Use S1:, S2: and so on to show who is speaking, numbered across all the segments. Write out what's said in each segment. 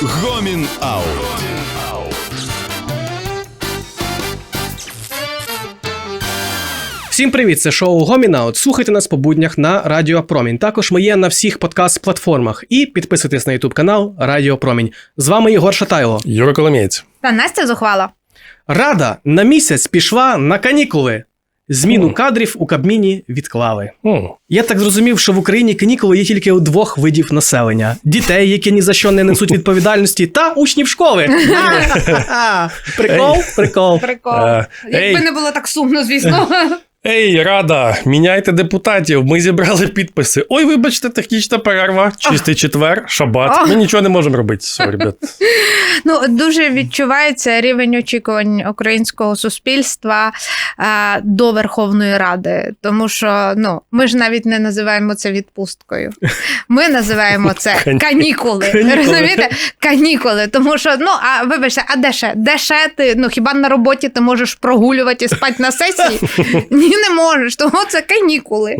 S1: Гомін Аут.
S2: Всім привіт, це шоу Гомін Аут. Слухайте нас по буднях на Радіо Промінь. Також ми є на всіх подкаст-платформах. І підписуйтесь на YouTube канал Радіо Промінь. З вами Єгор Шатайло.
S3: Юра Коломієць.
S4: Та Настя Зухвала.
S2: Рада на місяць пішла на канікули. Зміну кадрів у Кабміні відклали. Я так зрозумів, що в Україні канікули є тільки у двох видів населення. Дітей, які ні за що не несуть відповідальності, та учнів школи. Прикол? Прикол.
S4: Якби не було так сумно, звісно.
S3: Ей, Рада, міняйте депутатів, ми зібрали підписи. Ой, вибачте, технічна перерва, чистий четвер, шабат. Ми нічого не можемо робити, ребят.
S4: Ну, дуже відчувається рівень очікувань українського суспільства до Верховної Ради. Тому що, ми ж навіть не називаємо це відпусткою. Ми називаємо це канікули. Розумієте? Канікули. Тому що, вибачте, а де ще? Де ще ти? Хіба на роботі ти можеш прогулювати і спати на сесії? Ні, не можеш, тому це канікули.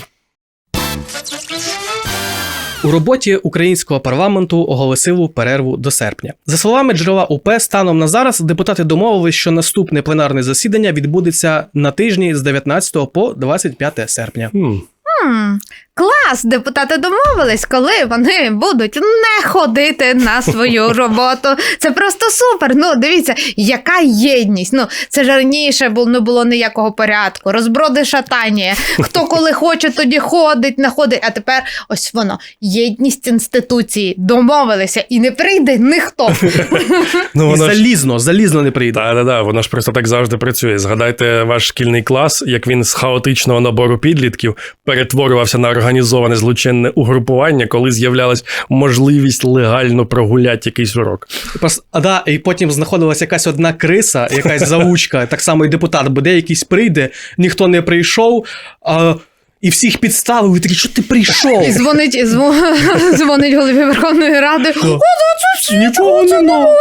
S2: У роботі українського парламенту оголосили перерву до серпня. За словами джерела УП, станом на зараз депутати домовились, що наступне пленарне засідання відбудеться на тижні з 19 по 25 серпня.
S4: Клас! Депутати домовились, коли вони будуть не ходити на свою роботу. Це просто супер! Дивіться, яка єдність! Це ж раніше не було ніякого порядку. Розброди шатання. Хто коли хоче, тоді ходить, не ходить. А тепер ось воно. Єдність інституції. Домовилися. І не прийде ніхто.
S2: І залізно не прийде.
S3: Так, воно ж просто так завжди працює. Згадайте ваш шкільний клас, як він з хаотичного набору підлітків перетворювався на організоване злочинне угрупування, коли з'являлась можливість легально прогуляти якийсь урок.
S2: І потім знаходилась якась одна криса, якась заучка, так само і депутат, бо якийсь прийде, ніхто не прийшов, і всіх підставили, і такі, що ти прийшов?
S4: І дзвонить голові Верховної Ради.
S2: Нічого немає.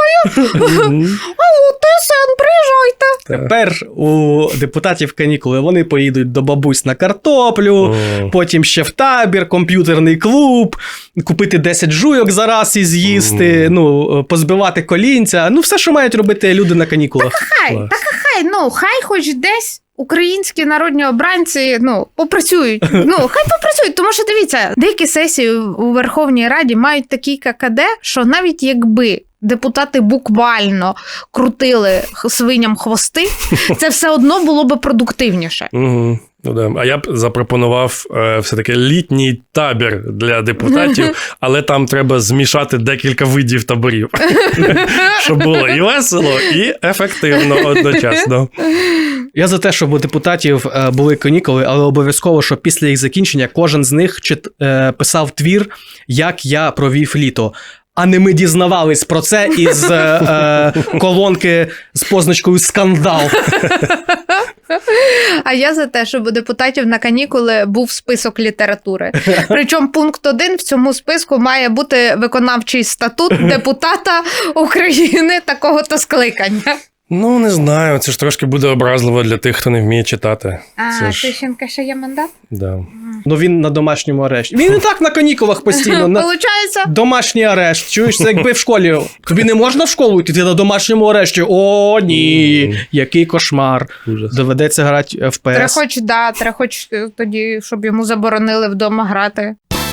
S4: ТСН, приїжджайте.
S2: Тепер у депутатів канікули. Вони поїдуть до бабусь на картоплю, потім ще в табір, комп'ютерний клуб, купити 10 жуйок за раз і з'їсти, позбивати колінця. Все, що мають робити люди на канікулах.
S4: Хай хоч десь українські народні обранці, попрацюють. Хай попрацюють, тому що, дивіться, деякі сесії у Верховній Раді мають такий ККД, що навіть якби депутати буквально крутили свиням хвости, це все одно було би продуктивніше.
S3: А я б запропонував все-таки літній табір для депутатів, але там треба змішати декілька видів таборів, щоб було і весело, і ефективно одночасно.
S2: Я за те, щоб у депутатів були канікули, але обов'язково, щоб після їх закінчення кожен з них писав твір «Як я провів літо». А не ми дізнавались про це із колонки з позначкою «Скандал».
S4: А я за те, щоб у депутатів на канікули був список літератури. Причому пункт 1 в цьому списку має бути виконавчий статут депутата України такого-то скликання.
S3: Не знаю, це ж трошки буде образливо для тих, хто не вміє читати.
S4: Тищенка ще є мандат?
S3: Да.
S2: Він на домашньому арешті. Він і так на канікулах постійно.
S4: Получається?
S2: Домашній арешт. Чуєш, це якби в школі. Тобі не можна в школу йти, ти на домашньому арешті. О, ні, який кошмар.
S3: Ужас.
S2: Доведеться грати в ПС.
S4: Треба хоч тоді, щоб йому заборонили вдома грати.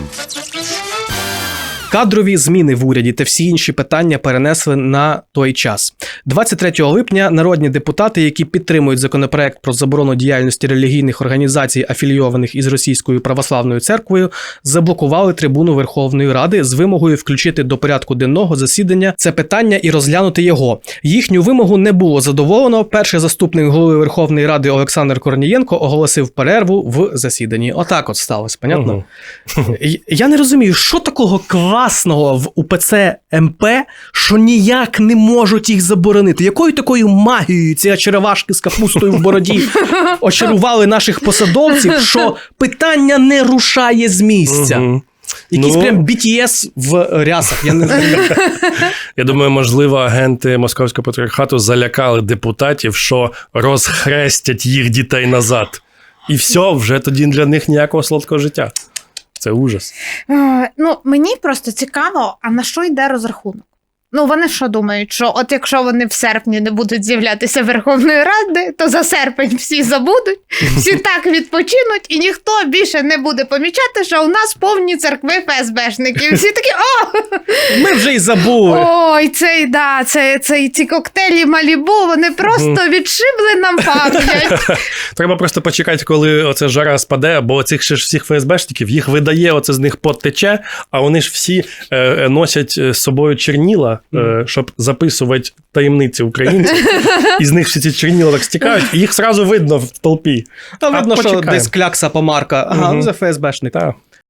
S2: Кадрові зміни в уряді та всі інші питання перенесли на той час. 23 липня народні депутати, які підтримують законопроект про заборону діяльності релігійних організацій, афілійованих із Російською православною церквою, заблокували трибуну Верховної Ради з вимогою включити до порядку денного засідання це питання і розглянути його. Їхню вимогу не було задоволено. Перший заступник голови Верховної Ради Олександр Корнієнко оголосив перерву в засіданні. Отак от сталося, понятно? Я не розумію, що такого класного в УПЦ МП, що ніяк не можуть їх заборонити. Якою такою магією ці черевашки з капустою в бороді очарували наших посадовців, що питання не рушає з місця. Якийсь прям BTS в рясах, я не знаю.
S3: Я думаю, можливо, агенти Московського патріархату залякали депутатів, що розхрестять їх дітей назад. І все, вже тоді для них ніякого солодкого життя. Це ужас.
S4: Мені просто цікаво, а на що йде розрахунок? Ну, вони що думають, що от якщо вони в серпні не будуть з'являтися Верховної Ради, то за серпень всі забудуть, всі так відпочинуть, і ніхто більше не буде помічати, що у нас повні церкви ФСБшників. Всі такі,
S2: Ми вже й забули.
S4: ой, ці коктейлі Малібу, вони просто відшибли нам пам'ять.
S3: Треба просто почекати, коли оце жара спаде, бо цих ще ж всіх ФСБшників, їх видає, оце з них пот тече, а вони ж всі носять з собою черніла, щоб записувати таємниці українців. І з них всі ці черніла так стікають, і їх зразу видно в толпі.
S2: А видно, що
S3: почекаємо.
S2: десь клякса помарка. Ага, це ФСБшник.
S3: Так.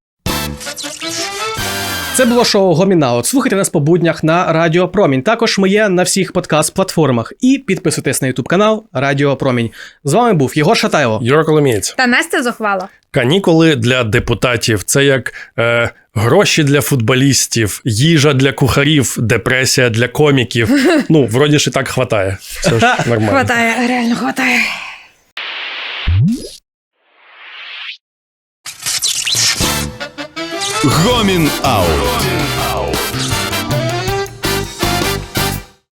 S2: Це було шоу Гомінаут. Слухайте нас по буднях на Радіо Промінь. Також ми є на всіх подкаст-платформах. І підписуйтесь на YouTube канал Радіо Промінь. З вами був Єгор Шатайло.
S3: Юра Коломієць.
S4: Та Настя Зухвала.
S3: Канікули для депутатів – це як гроші для футболістів, їжа для кухарів, депресія для коміків. Ну, вроді ж і так хватає. Все ж нормально.
S4: Хватає, реально хватає.
S1: Гомін Аут.